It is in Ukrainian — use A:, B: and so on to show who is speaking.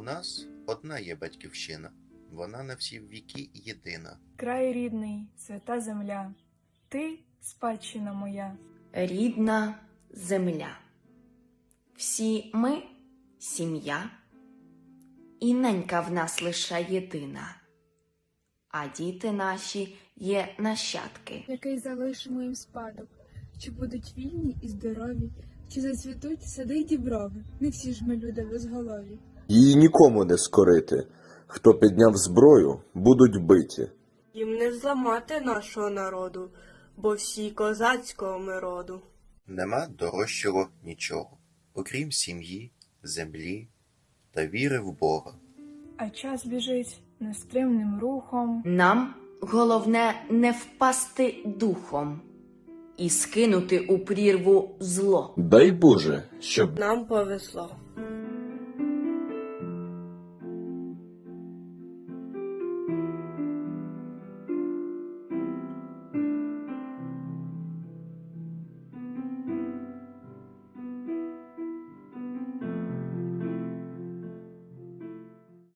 A: нас одна є батьківщина, вона на всі віки єдина.
B: Край рідний, свята земля, ти спадщина моя.
C: Рідна земля. Всі ми – сім'я, і ненька в нас лише єдина. А діти наші є нащадки.
D: Який залишимо їм спадок, чи будуть вільні і здорові, чи зацвітуть сади й діброви. Не всі ж ми люди безголові.
E: Її нікому не скорити. Хто підняв зброю, будуть биті.
F: Їм не зламати нашого народу, бо всі козацького ми роду.
A: Нема дорожчого нічого, окрім сім'ї, землі та віри в Бога.
B: А час біжить нестримним рухом.
C: Нам головне не впасти духом і скинути у прірву зло.
E: Дай Боже, щоб
F: Нам повезло.